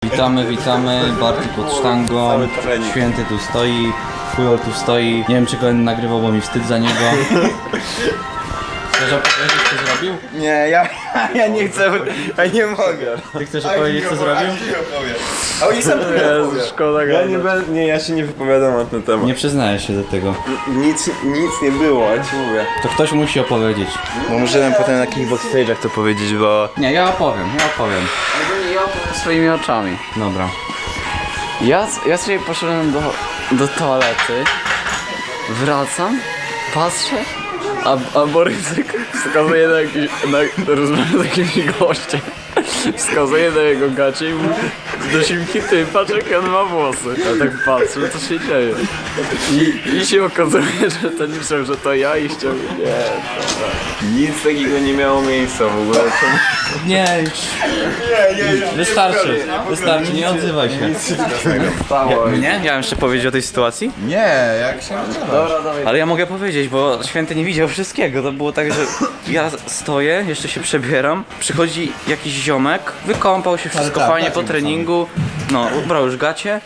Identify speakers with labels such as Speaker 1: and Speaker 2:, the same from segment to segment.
Speaker 1: Witamy, Barty pod sztangą, Święty tu stoi, Pujol tu stoi. Nie wiem, czy go nagrywał, bo mi wstyd za niego. Chcesz opowiedzieć, co zrobił?
Speaker 2: Nie, ja nie chcę, ja nie mogę.
Speaker 1: Ty chcesz opowiedzieć, co zrobił?
Speaker 2: A oni sam
Speaker 3: Szkoda, ja się nie wypowiadam na ten temat.
Speaker 1: Nie przyznajesz się do tego.
Speaker 3: Nic nie było, ja ci mówię.
Speaker 1: To ktoś musi opowiedzieć.
Speaker 3: No możemy potem na kickbox stage'ach to powiedzieć, bo...
Speaker 1: Nie, ja opowiem.
Speaker 4: Ja opowiem swoimi oczami.
Speaker 1: Dobra.
Speaker 4: Ja sobie poszedłem do toalety, wracam, patrzę, a Borysek wskazuje na rozmowę z jakimś gościem. Wskazuje na jego gacie i mówi do Simki, ty patrz jak on ma włosy. Ja tak patrzę, co się dzieje. I się okazuje, że ten myślał, że to ja i ściągnie. Nie,
Speaker 3: Nic takiego nie miało miejsca w ogóle.
Speaker 1: Nie, już. Wystarczy, nie odzywaj się. Nie? Miałem jeszcze powiedzieć o tej sytuacji?
Speaker 2: Nie, jak się
Speaker 1: Ale ja mogę powiedzieć, bo Święty nie widział wszystkiego. To było tak, że ja stoję, jeszcze się przebieram, przychodzi jakiś ziomek, wykąpał się, wszystko fajnie po treningu, no, ubrał już gacie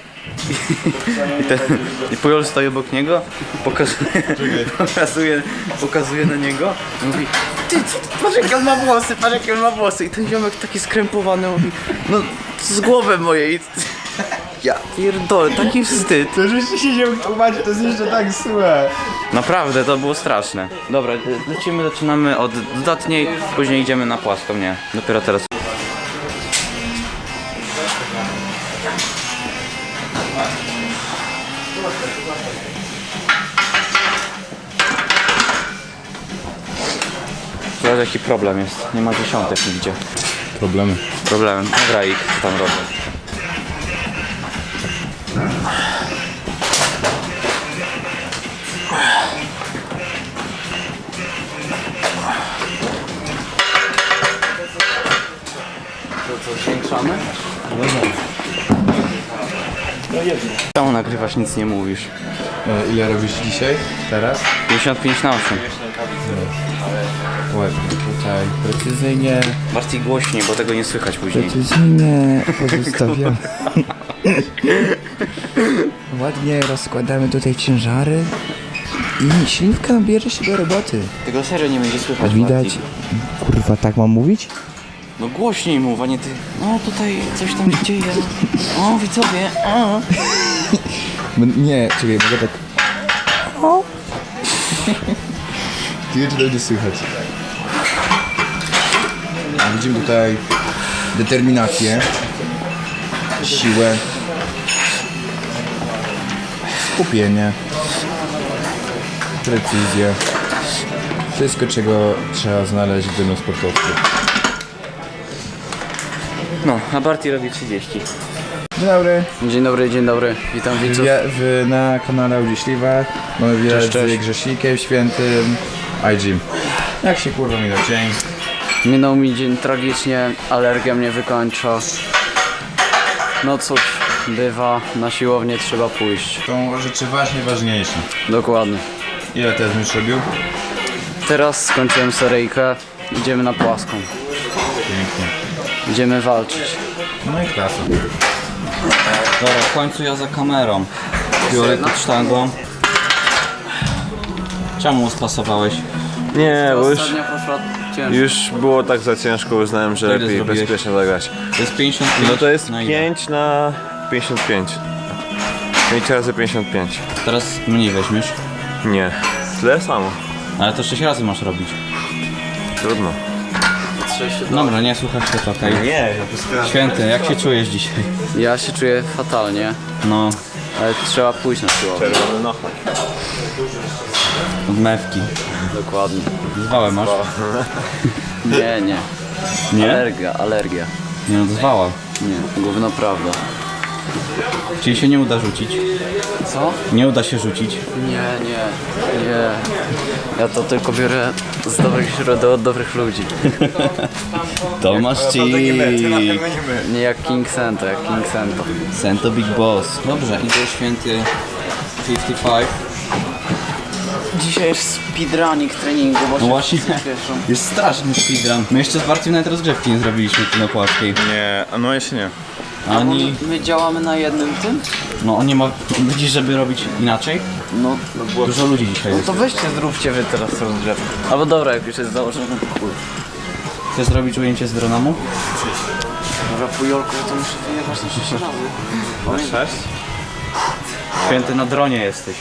Speaker 1: i Pujol stoi obok niego, pokazuje na niego i mówi: ty, patrz jakie on ma włosy, i ten ziomek taki skrępowany mówi: no, z głowy mojej. Ja pierdolę, taki wstyd.
Speaker 2: To żeście siedział tłumaczyć, to jest jeszcze tak złe.
Speaker 1: Naprawdę, to było straszne. Dobra, zaczynamy od dodatniej, później idziemy na płaską, nie, dopiero teraz. Teraz jaki problem jest, nie ma dziesiątek nigdzie.
Speaker 2: Problemy.
Speaker 1: Problem, dobra, ich co tam robię.
Speaker 4: To zwiększamy?
Speaker 1: Czemu nagrywasz, nic nie mówisz?
Speaker 2: Ile robisz dzisiaj? Teraz?
Speaker 1: 55 na 8.
Speaker 2: Ładnie, tutaj precyzyjnie.
Speaker 1: Bardziej głośniej, bo tego nie słychać później.
Speaker 2: Precyzyjnie pozostawiam. Ładnie rozkładamy tutaj ciężary i śliwka bierze się do roboty.
Speaker 1: Tego serio nie będzie słychać.
Speaker 2: Widać.
Speaker 1: Bardziej.
Speaker 2: Kurwa, tak mam mówić?
Speaker 1: No głośniej mów, a nie ty. No tutaj coś tam się dzieje. O, widzowie. O.
Speaker 2: Nie, czekaj, mogę tak. Ty czy będzie słychać? Widzimy tutaj determinację, siłę, skupienie, precyzję. Wszystko, czego trzeba znaleźć w danym sportowcu.
Speaker 1: No, a Barty robi 30.
Speaker 2: Dzień dobry.
Speaker 4: Witam widzów.
Speaker 2: Na kanale Audi Śliwa mamy widać z Grzesikiem Świętym iGym. Jak się kurwa minął dzień?
Speaker 4: Minął mi dzień tragicznie, alergia mnie wykończa. No cóż, bywa, na siłownię trzeba pójść.
Speaker 2: Są rzeczy ważniejsze.
Speaker 4: Dokładnie.
Speaker 2: Ile teraz już robił?
Speaker 4: Teraz skończyłem seryjkę, idziemy na płaską.
Speaker 2: Pięknie.
Speaker 4: Idziemy walczyć.
Speaker 2: No i klasa.
Speaker 1: Dobra, w końcu ja za kamerą. Biorę pod sztangą. Czemu spasowałeś?
Speaker 3: Nie, bo
Speaker 4: Ostatnia poszła ciężko.
Speaker 3: już było tak za ciężko, uznałem, że
Speaker 1: Ile
Speaker 3: lepiej
Speaker 1: zrobiłeś?
Speaker 3: bezpiecznie zagrać.
Speaker 1: To jest 55.
Speaker 3: No to jest
Speaker 1: na ile?
Speaker 3: 5 na 55. 5 razy 55.
Speaker 1: Teraz mniej weźmiesz.
Speaker 3: Nie, tyle samo.
Speaker 1: Ale to 6 razy masz robić.
Speaker 3: Trudno.
Speaker 1: Dobra, nie słuchasz się, to okej.
Speaker 3: Nie, ja po prostu...
Speaker 1: Święty, jak się czujesz dzisiaj?
Speaker 4: Ja się czuję fatalnie,
Speaker 1: No,
Speaker 4: ale trzeba pójść na siłownię.
Speaker 3: Czerwony nocha.
Speaker 1: od mewki.
Speaker 4: Dokładnie.
Speaker 1: Zwałę masz?
Speaker 4: Nie.
Speaker 1: Nie?
Speaker 4: Alergia.
Speaker 1: Nie no, zwała.
Speaker 4: Nie, gówno prawda.
Speaker 1: Czyli się nie uda rzucić.
Speaker 4: Co?
Speaker 1: Nie uda się rzucić.
Speaker 4: Nie. Ja to tylko biorę z dobrych źródeł od dobrych ludzi.
Speaker 1: To masz ci.
Speaker 4: Nie jak King Sento.
Speaker 1: Sento Big Boss. Dobrze, idzie Święty 55.
Speaker 4: Dzisiaj jest speedrunning treningu, bo
Speaker 1: No właśnie.
Speaker 4: Cieszą.
Speaker 1: Jest straszny speedrun. My jeszcze z Bartym nawet rozgrzewki nie zrobiliśmy tu na płaskiej.
Speaker 3: Nie, no jeszcze nie.
Speaker 1: Oni,
Speaker 4: My działamy na jednym tym?
Speaker 1: no on nie ma, widzisz, żeby robić inaczej?
Speaker 4: No.
Speaker 1: Dużo ludzi dzisiaj jest.
Speaker 4: To weźcie, zróbcie wy teraz rozgrzewkę. Albo dobra, jak już jest założone, to chuj.
Speaker 1: Chcesz zrobić ujęcie z dronamu?
Speaker 4: Dobra, pujolku, to muszę wyjechać na 6 razy.
Speaker 3: Na 6?
Speaker 1: Święty, na dronie jesteś.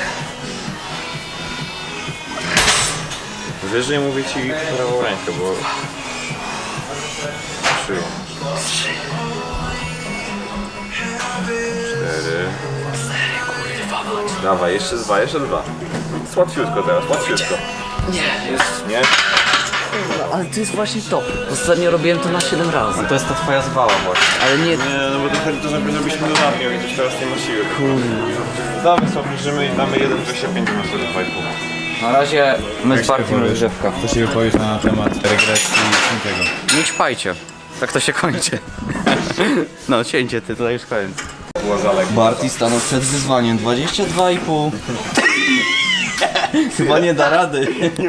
Speaker 3: Wiesz, że nie mówię ci prawą rękę, bo... Trzy. 4. Dawaj, jeszcze 2, jeszcze 2. Łatwiutko teraz, łatwiutko.
Speaker 4: Nie.
Speaker 3: Nie?
Speaker 4: Ale to jest właśnie to. Ostatnio robiłem to na 7 razy.
Speaker 1: To jest ta twoja zwała właśnie.
Speaker 4: Ale nie,
Speaker 3: Nie, no bo trochę to żebyśmy dodatnio i też teraz nie ma siły. Damy sobie, obniżymy i damy 1,25 na sobie 2,5.
Speaker 1: Na razie my z Bartim rozgrzewka.
Speaker 2: Co się wypowiesz na temat regresji tego?
Speaker 1: Nie ćpajcie. Tak to się kończy. No cięcie ty, to już koniec. Barty stanął przed wyzwaniem 22,5. Chyba nie da rady.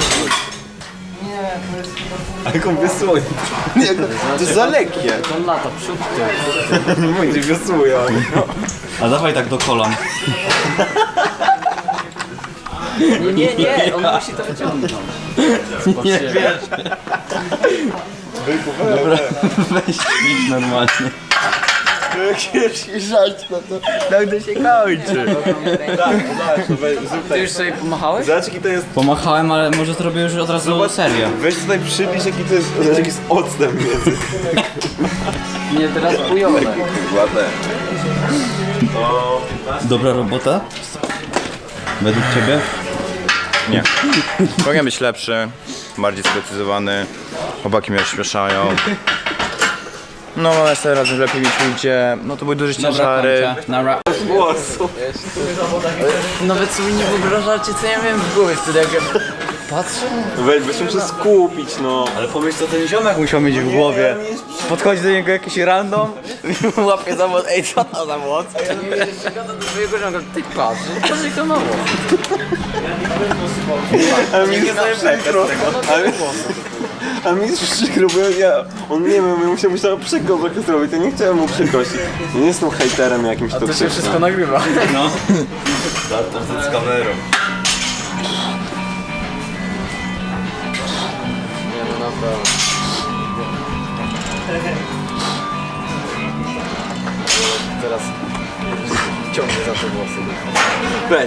Speaker 3: Ale jak on wiosłuje? Nie, to jest za lekkie.
Speaker 4: to lata, przód, tył.
Speaker 3: Nie będzie wiosłuje, ale...
Speaker 1: A dawaj tak do kolan.
Speaker 4: Nie, on musi to wyciągnąć.
Speaker 1: Nie wiesz. Dobra, weź idź normalnie.
Speaker 3: Jakiś żart, no to tak to się kończy. Zrób
Speaker 4: Ty już sobie pomachałeś?
Speaker 3: Zobacz jaki to jest...
Speaker 1: Pomachałem, ale może zrobię już od razu serię.
Speaker 3: Weź tutaj przybliż jaki to jest, zobacz jaki jest odstęp między.
Speaker 4: Nie, teraz pujolek.
Speaker 3: Ładne.
Speaker 1: Dobra robota? Według ciebie?
Speaker 5: Nie. Powinien być lepszy, bardziej sprecyzowany. Chłopaki mnie rozśmieszają. No, następnym razem lepiej mieć ujście. No to były duże ciężary.
Speaker 1: Nara.
Speaker 4: Nawet sobie nie wyobrażacie, co ja miałem w głowie wtedy, jak ja patrzę.
Speaker 3: Weź się muszę skupić, no.
Speaker 1: Ale pomyśl, co ten ziomek musiał mieć w głowie. Podchodzi do niego jakiś random, łapie za włos, ej co to za włos?
Speaker 4: Ja nie wiem, że gada do swojego żonka, ty patrz, patrz jak to mało.
Speaker 3: Ale mi jest przykro. Ale mi jest przykro, bo on nie wiem, ja musiał przykro trochę zrobić, ja nie chciałem mu przykrości. Ja nie jestem hejterem jakimś
Speaker 4: To się
Speaker 3: toksycznym.
Speaker 4: wszystko nagrywa.
Speaker 1: No.
Speaker 5: Z kamerą.
Speaker 4: Nie no naprawdę. Teraz ciągnie za te włosy.
Speaker 3: Weź.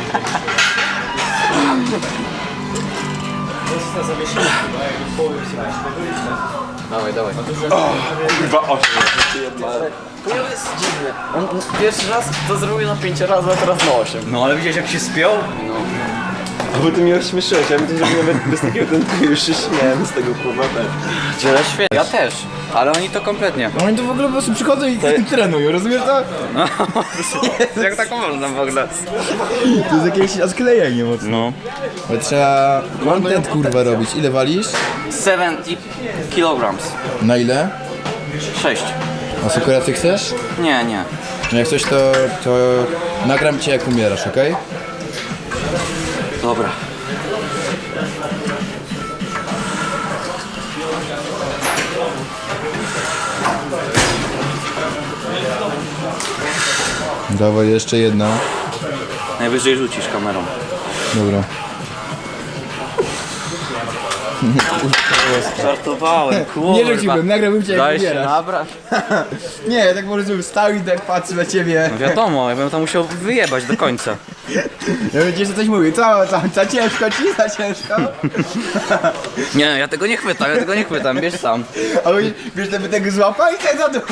Speaker 4: Dawaj, dawaj.
Speaker 3: Chyba 8.
Speaker 4: To jest dziwne. On pierwszy raz to zrobił na 5 razy, a teraz na 8.
Speaker 1: No ale widziałeś jak się spiął?
Speaker 3: Bo ty mnie rozśmieszyłeś, ja bym też nawet bez takiego tentu już się śmiałem z tego kurwa też.
Speaker 1: Tyle świetnie. Ja też, ale oni to kompletnie.
Speaker 2: Oni tu w ogóle po prostu przychodzą i trenują, rozumiesz to?
Speaker 1: Jak tak można w ogóle?
Speaker 2: To jest jakieś sklejenie mocno.
Speaker 1: No.
Speaker 2: Ale trzeba content kurwa robić. Ile walisz?
Speaker 1: 70 kilograms.
Speaker 2: Na ile?
Speaker 1: 6.
Speaker 2: A sekurację chcesz?
Speaker 1: Nie, nie.
Speaker 2: No jak coś to nagram cię jak umierasz, okej?
Speaker 1: Dobra.
Speaker 2: Dawaj jeszcze jedna.
Speaker 1: Najwyżej rzucisz kamerą.
Speaker 2: Dobra.
Speaker 1: Żartowałem, kurwa.
Speaker 2: Nie rzuciłbym, nagrałbym cię jak
Speaker 1: Daj się
Speaker 2: umierasz.
Speaker 1: nabrać.
Speaker 2: Nie, ja tak po prostu stał i tak patrzę na ciebie.
Speaker 1: No wiadomo, ja bym to musiał wyjebać do końca.
Speaker 2: Ja bym ci jeszcze coś mówił. Co ciężko ci? Za ciężko?
Speaker 1: Nie, ja tego nie chwytam, bierz sam.
Speaker 2: A wiesz, żeby tego złapał i tak za dół.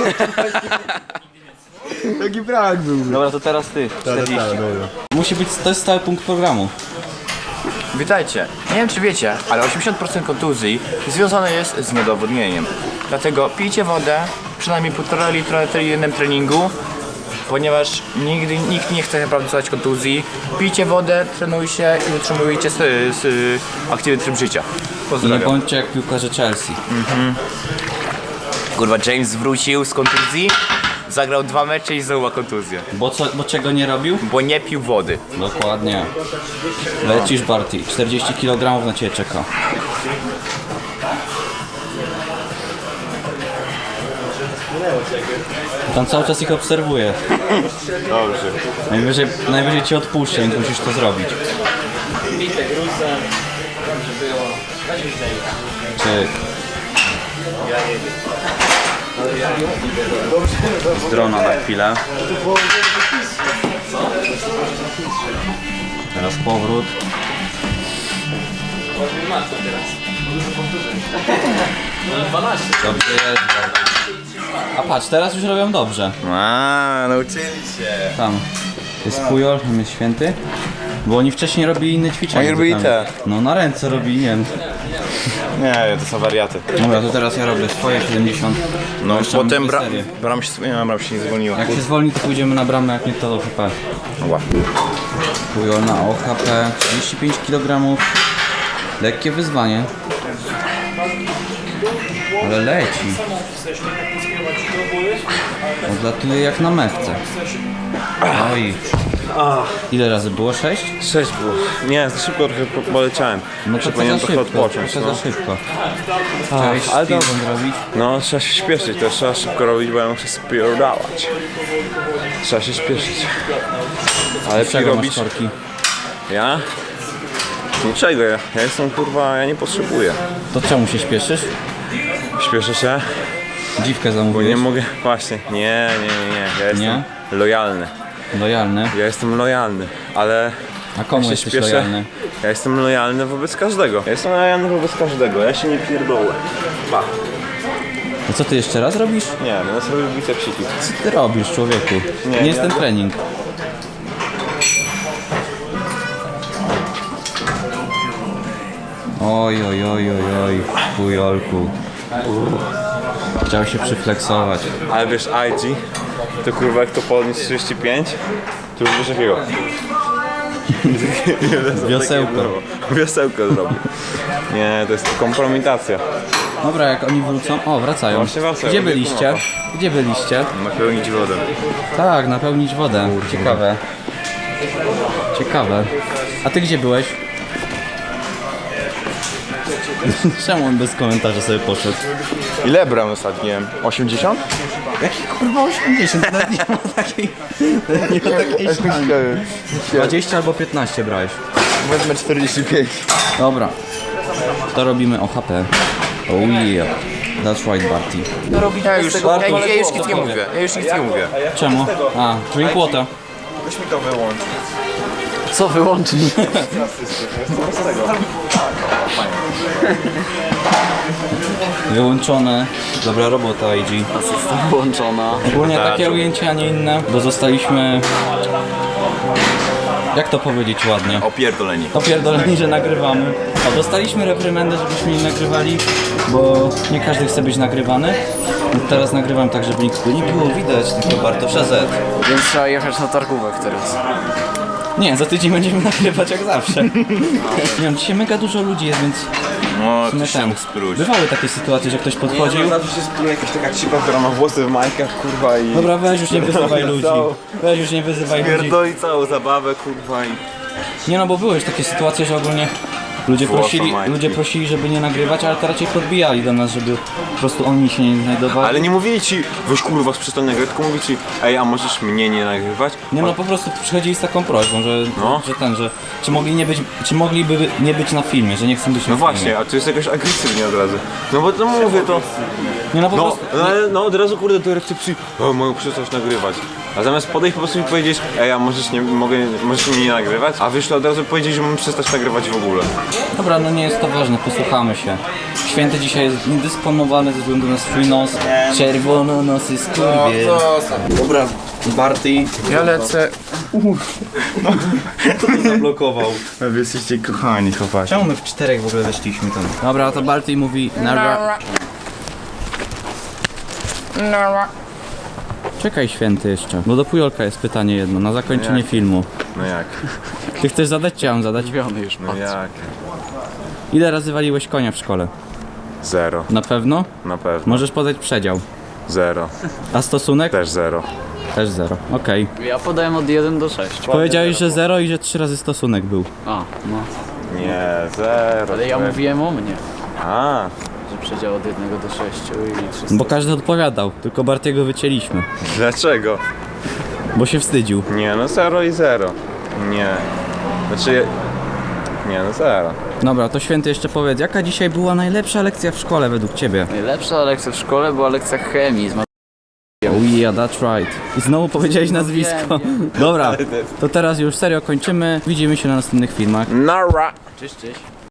Speaker 2: Taki prank był.
Speaker 1: Dobra, to teraz ty. 40.
Speaker 2: dobra.
Speaker 1: Musi być, to jest stały punkt programu.
Speaker 5: Witajcie. Nie wiem czy wiecie, ale 80% kontuzji związane jest z niedowodnieniem. Dlatego pijcie wodę, przynajmniej 1,5 litra na jednym treningu, ponieważ nikt nie chce naprawdę dostać kontuzji. Pijcie wodę, trenujcie i utrzymujcie aktywny tryb życia.
Speaker 1: Nie
Speaker 5: Pozdrawiam.
Speaker 1: bądźcie jak piłkarze Chelsea.
Speaker 5: Kurwa, James wrócił z kontuzji, zagrał 2 mecze i znowu ma kontuzję.
Speaker 1: Bo czego nie robił?
Speaker 5: Bo nie pił wody.
Speaker 1: Dokładnie. Lecisz Barty, 40 kg na ciebie czeka. Tam cały czas ich obserwuję.
Speaker 3: Dobrze.
Speaker 1: Najwyżej cię odpuszczę, więc musisz to zrobić. Czyk. Z drona na chwilę. Teraz powrót. Dobrze jest. A patrz, teraz już robią dobrze.
Speaker 2: Nauczyli się.
Speaker 1: Tam jest Pujol, tam jest Święty. Bo oni wcześniej robili inne ćwiczenia.
Speaker 2: Oni robili
Speaker 1: zupełnie.
Speaker 2: te.
Speaker 1: No na ręce robili, nie wiem.
Speaker 2: Nie, to są wariaty.
Speaker 1: Dobra, to teraz ja robię swoje 70.
Speaker 2: No
Speaker 1: Jeszcze
Speaker 2: potem
Speaker 1: mam dwie serie.
Speaker 2: bram się nie zwolniła.
Speaker 1: Jak się zwolni, to pójdziemy na bramę, jak nie to do HP.
Speaker 2: Ła.
Speaker 1: Pujol na OHP, 35 kg. Lekkie wyzwanie. Ale leci. Odlatuje jak na mewce. Oj. Ile razy było? 6?
Speaker 3: 6 było. Nie, za szybko trochę poleciałem.
Speaker 1: No to
Speaker 3: Powinienem
Speaker 1: za
Speaker 3: trochę
Speaker 1: szybko,
Speaker 3: odpocząć.
Speaker 1: trochę
Speaker 3: No.
Speaker 1: za szybko. Chciałeś
Speaker 3: ale to-
Speaker 1: speedrun zrobić?
Speaker 3: No, trzeba się śpieszyć, to trzeba szybko robić, bo ja muszę spierdalać. Trzeba się śpieszyć. Ale lepiej
Speaker 1: Czego masz
Speaker 3: robić...
Speaker 1: korki?
Speaker 3: Ja? Niczego, ja jestem kurwa, ja nie potrzebuję.
Speaker 1: To czemu się śpieszysz?
Speaker 3: Śpieszę się,
Speaker 1: Dziwkę
Speaker 3: bo
Speaker 1: zamówiłeś?
Speaker 3: nie mogę... Właśnie, nie. Ja jestem
Speaker 1: Nie?
Speaker 3: lojalny.
Speaker 1: Lojalny.
Speaker 3: Ja jestem lojalny, ale...
Speaker 1: A komu
Speaker 3: ja się
Speaker 1: jesteś
Speaker 3: śpieszę.
Speaker 1: lojalny?
Speaker 3: Ja jestem lojalny wobec każdego. Ja jestem lojalny wobec każdego, ja się nie pierdolę. Pa.
Speaker 1: No co ty jeszcze raz robisz?
Speaker 3: Nie, będę sobie bicepsiki.
Speaker 1: Co ty robisz, człowieku?
Speaker 3: Nie,
Speaker 1: Nie jest
Speaker 3: ja-
Speaker 1: ten trening. Oj, Pujolku. Chciał się przyfleksować.
Speaker 3: Ale wiesz, IG, to kurwa jak to podnieść 35, to już wiesz jakiego.
Speaker 1: Wiosełko.
Speaker 3: Wiosełko zrobił. Nie, to jest kompromitacja.
Speaker 1: Dobra, jak oni wrócą... O, wracają.
Speaker 3: Właśnie wracają,
Speaker 1: Gdzie
Speaker 3: gdzie
Speaker 1: byliście?
Speaker 3: mapa?
Speaker 1: Gdzie byliście?
Speaker 3: Napełnić wodę.
Speaker 1: Tak, napełnić wodę. Ciekawe. Ciekawe. A ty gdzie byłeś? Czemu on bez komentarza sobie poszedł?
Speaker 2: Ile bram ostatnio? 80?
Speaker 1: Jaki kurwa 80? Nawet nie ma takiej... Nie ma takiej sztangi. 20 albo 15 brałeś.
Speaker 2: Wezmę 45.
Speaker 1: Dobra. To robimy OHP. Oh yeah. That's right, Barty.
Speaker 2: Ja już nic nie mówię. Ja już nic nie mówię.
Speaker 1: Czemu? A, drink water.
Speaker 2: Weź mi to wyłącz.
Speaker 4: Co wyłączyć?
Speaker 1: Wyłączone. Dobra robota, IG.
Speaker 4: Asysta włączona.
Speaker 1: Ogólnie takie ujęcia, a nie inne, bo zostaliśmy... Jak to powiedzieć ładnie?
Speaker 2: Opierdoleni.
Speaker 1: Opierdoleni, że nagrywamy. O, dostaliśmy reprymendę, żebyśmy nie nagrywali, bo nie każdy chce być nagrywany. Teraz nagrywam tak, żeby nikt nie było widać, tylko Bartosza Z.
Speaker 4: Więc trzeba jechać na targówek teraz.
Speaker 1: Nie, za tydzień będziemy nagrywać jak zawsze. Nie wiem, dzisiaj mega dużo ludzi jest, więc
Speaker 2: No,
Speaker 1: w sumie
Speaker 2: to się
Speaker 1: ten.
Speaker 2: mógł spróć.
Speaker 1: Bywały takie sytuacje, że ktoś podchodził.
Speaker 3: Zawsze się spłynie jakaś taka cipa, która ma włosy w majkach, kurwa i...
Speaker 1: Dobra, weź już nie wyzywaj ludzi. Weź już nie wyzywaj ludzi.
Speaker 3: Pierdoli całą zabawę, kurwa i...
Speaker 1: Nie no, bo były już takie sytuacje, że ogólnie ludzie prosili, żeby nie nagrywać, ale to raczej podbijali do nas, żeby po prostu oni się nie znajdowali.
Speaker 3: Ale nie mówili ci, weź kurwa z przystojnego, tylko mówili ci, ej, a możesz mnie nie nagrywać?
Speaker 1: Nie no, po prostu przychodzili z taką prośbą,
Speaker 3: No.
Speaker 1: że czy mogliby nie być na filmie, że nie chcą być na
Speaker 3: No
Speaker 1: filmie.
Speaker 3: właśnie, a tu jest jakoś agresywnie od razu. No bo to mówię to...
Speaker 1: Nie no, po
Speaker 3: No,
Speaker 1: prostu...
Speaker 3: ale no od razu kurde do recepcji, o, mogę przestać nagrywać. A zamiast podejść po prostu mi powiedzieć, ej, a możesz mnie nie nagrywać? A wyszło od razu powiedzieć, że mam przestać nagrywać w ogóle.
Speaker 1: Dobra, no nie jest to ważne, posłuchamy się. Święty dzisiaj jest niedysponowany ze względu na swój nos. Czerwononosy skurwiel. Dobra, Barty.
Speaker 2: Ja lecę.
Speaker 1: Zablokował.
Speaker 2: Wy jesteście kochani, chłopaki.
Speaker 1: Czemu my w czterech w ogóle weszliśmy tam? Dobra, to Barty mówi narra. Czekaj Święty jeszcze, bo do Pujolka jest pytanie jedno, na zakończenie filmu.
Speaker 3: No jak?
Speaker 1: Ty chcesz zadać, czy ja mam zadać?
Speaker 4: Zdziwiony już,
Speaker 3: No jak?
Speaker 1: Ile razy waliłeś konia w szkole?
Speaker 3: 0,
Speaker 1: Na pewno?
Speaker 3: na pewno.
Speaker 1: Możesz podać przedział.
Speaker 3: 0,
Speaker 1: A stosunek?
Speaker 3: też 0.
Speaker 1: Też 0. Okej.
Speaker 4: Ja podałem od 1 do 6.
Speaker 1: Powiedziałeś, że 0 i że 3 razy stosunek był.
Speaker 4: A, no.
Speaker 3: Nie, 0.
Speaker 4: Ale ja mówiłem o mnie.
Speaker 3: A,
Speaker 4: Że przedział od 1 do 6 i 300.
Speaker 1: Bo każdy odpowiadał, tylko Bartiego wycięliśmy.
Speaker 3: Dlaczego?
Speaker 1: Bo się wstydził.
Speaker 3: Nie, no 0 i 0. Nie. Znaczy... Nie, no 0.
Speaker 1: Dobra, to Święty jeszcze powiedz, jaka dzisiaj była najlepsza lekcja w szkole według ciebie?
Speaker 4: Najlepsza lekcja w szkole była lekcja chemii.
Speaker 1: Oh yeah, that's right. I znowu powiedziałeś nazwisko. Dobra, to teraz już serio kończymy. Widzimy się na następnych filmach.
Speaker 3: Nara!
Speaker 4: Cześć, cześć.